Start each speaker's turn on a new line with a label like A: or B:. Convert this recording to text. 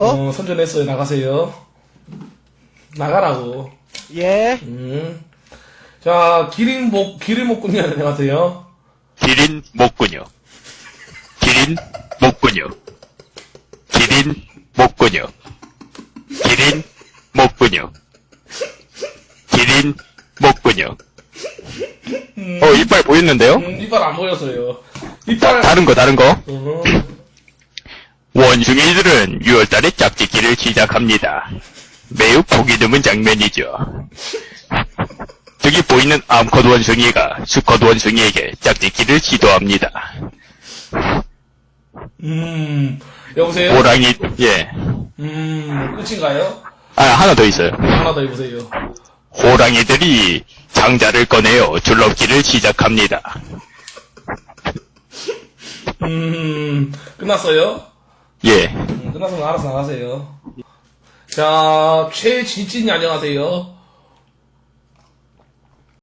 A: 선전했어요. 나가세요. 나가라고.
B: 예.
A: 자, 기린목군님 안녕하세요.
C: 기린 목군요. 기린 목군요. 기린 목군요. 기린 목군요. 기린 목군요. 이빨 보였는데요?
A: 이빨 안 보여서요. 이빨.
C: 다른 거.
A: 어.
C: 원숭이들은 6월달에 짝짓기를 시작합니다. 매우 보기 드문 장면이죠. 저기 보이는 암컷 원숭이가 수컷 원숭이에게 짝짓기를 시도합니다.
A: 여보세요?
C: 호랑이, 예.
A: 끝인가요?
C: 하나 더 있어요.
A: 하나 더 해보세요.
C: 호랑이들이 장자를 꺼내어 줄넘기를 시작합니다.
A: 끝났어요?
C: 예.
A: 끝났으면 알아서 나가세요. 자, 최진진이 안녕하세요.